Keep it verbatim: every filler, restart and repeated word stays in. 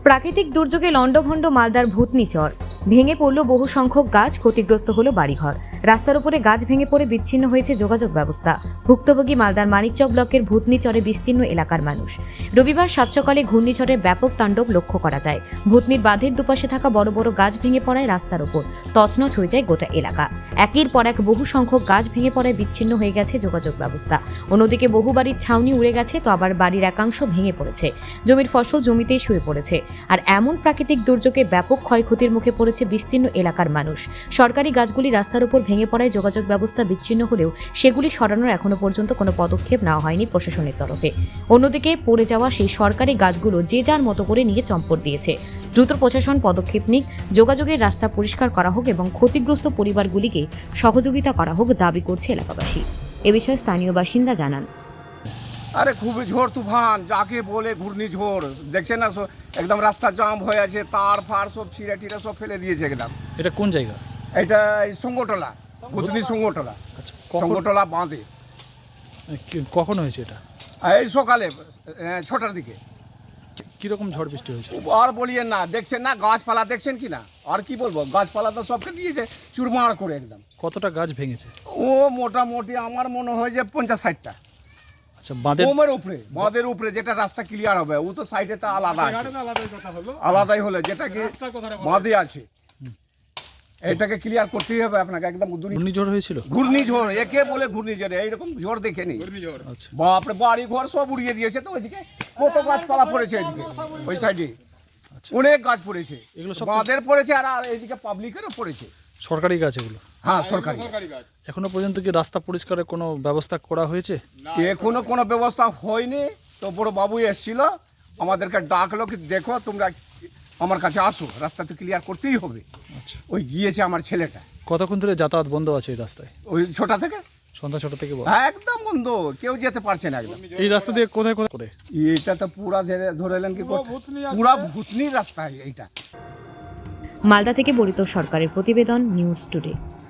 প্রাকৃতিক দুর্যোগে লণ্ডভণ্ড মালদার ভূতনি চর। ভেঙে পড়ল বহু সংখ্যক গাছ, ক্ষতিগ্রস্ত হলো বাড়িঘর। রাস্তার উপরে গাছ ভেঙে পড়ে বিচ্ছিন্ন হয়েছে যোগাযোগ ব্যবস্থা। ভুক্তভোগী মালদার মানিকচক ব্লকের ভূতনি চরে বিস্তীর্ণ এলাকার মানুষ। রবিবার সাত সকালে ঘূর্ণিঝড়ের ব্যাপক তাণ্ডব লক্ষ্য করা যায়। ভূতনির বাঁধের দুপাশে থাকা বড় বড় গাছ ভেঙে পড়ায় রাস্তার উপর তছনছ হয়ে যায় গোটা এলাকা। একের পর এক বহু সংখ্যক গাছ ভেঙে পড়ায় বিচ্ছিন্ন হয়ে গেছে যোগাযোগ ব্যবস্থা। অন্যদিকে বহু বাড়ির ছাউনি উড়ে গেছে, তো আবার বাড়ির একাংশ ভেঙে পড়েছে। জমির ফসল জমিতেই শুয়ে পড়েছে। আর এমন প্রাকৃতিক দুর্যোগে ব্যাপক ক্ষয়ক্ষতির মুখে পড়েছে বিস্তীর্ণ এলাকার মানুষ। সরকারি গাছগুলি রাস্তার উপর ভেঙে পড়ায় যোগাযোগ ব্যবস্থা বিচ্ছিন্ন হলেও সেগুলি সরানোর এখনো পর্যন্ত কোনো পদক্ষেপ নেওয়া হয়নি প্রশাসনের তরফে। অন্যদিকে পড়ে যাওয়া সেই সরকারি গাছগুলো যে যার মতো করে নিয়ে চম্পট দিয়েছে। দ্রুত প্রশাসন পদক্ষেপ নিক, যোগাযোগের রাস্তা পরিষ্কার করা হোক এবং ক্ষতিগ্রস্ত পরিবারগুলিকে সহযোগিতা করা হোক দাবি করছে এলাকাবাসী। এ বিষয়ে স্থানীয় বাসিন্দা জানান, আরে খুবই ঝড় তুফান, যাকে বলে ঘূর্ণিঝড়, দেখছেন না একদম রাস্তা জাম হয়ে আছে, তার ফার সব ছিঁড়ে টিড়ে সব ফেলে দিয়েছে একদম। এটা কোন জায়গা? এটা এই সঙ্গটলা, ভূতনি সঙ্গটলা, আচ্ছা, কখন সঙ্গটলা বাঁধে। কি- কখন হয়েছে এটা? এই সকালে আহ, ছটার দিকে। কিরকম ঝড় বৃষ্টি হয়েছে? আর বলিয়েন না, দেখছেন না গাছপালা দেখছেন কি না, আর কি বলবো, গাছপালা তো সবকে দিয়েছে চুরমার করে একদম। কতটা গাছ ভেঙেছে? ও মোটামুটি আমার মনে হয় যে পঞ্চাশ ষাটটা। আচ্ছা, বাঁধের ওমের উপরে, বাঁধের উপরে যেটা রাস্তা ক্লিয়ার হবে, ও তো সাইডে তো আলাদা আছে। আলাদাই হলে যেটা কি বাঁধে আছে, এটাকে ক্লিয়ার করতেই হবে আপনাকে একদম। ঘূর্ণিঝড় হয়েছিল? ঘূর্ণিঝড়, একে বলে ঘূর্ণিঝড়, এইরকম ঝড় দেখেনি। আচ্ছা, বাপরে, বাড়ি ঘর সব উড়িয়ে দিয়েছে। তো ওইদিকে কত গাছপালা পড়েছে, এদিকে ওই সাইডে আচ্ছা। অনেক গাছ পড়েছে, এগুলো সব বাঁধের পড়েছে আর আর এইদিকে পাবলিকেরও পড়েছে। সরকারি গাছ এগুলো? হ্যাঁ, সরকারি। এখনো পর্যন্ত কি রাস্তা পরিষ্কারের কোনো ব্যবস্থা করা হয়েছে? এখনো কোনো ব্যবস্থা হয়নি। তো বড় বাবু এসেছিল, আমাদেরকে ডাকলো কি দেখো তোমরা আমার কাছে আসো, রাস্তা তো ক্লিয়ার করতেই হবে। আচ্ছা, ওই গিয়েছে আমার ছেলেটা, কতক্ষণ ধরে যাতায়াত বন্ধ আছে এই রাস্তায়? ওই ছটা থেকে সন্ধ্যা ছটা থেকে বন্ধ? হ্যাঁ, একদম বন্ধ, কেউ যেতে পারছে না একদম। এই রাস্তা দিয়ে কোথায় কোথায় করে? এইটা তো পুরা ধরে ধরে এলেন কি পুরা ভূতনির রাস্তা এইটা। মালদা থেকে বরিত সরকারের প্রতিবেদন, নিউজ টুডে।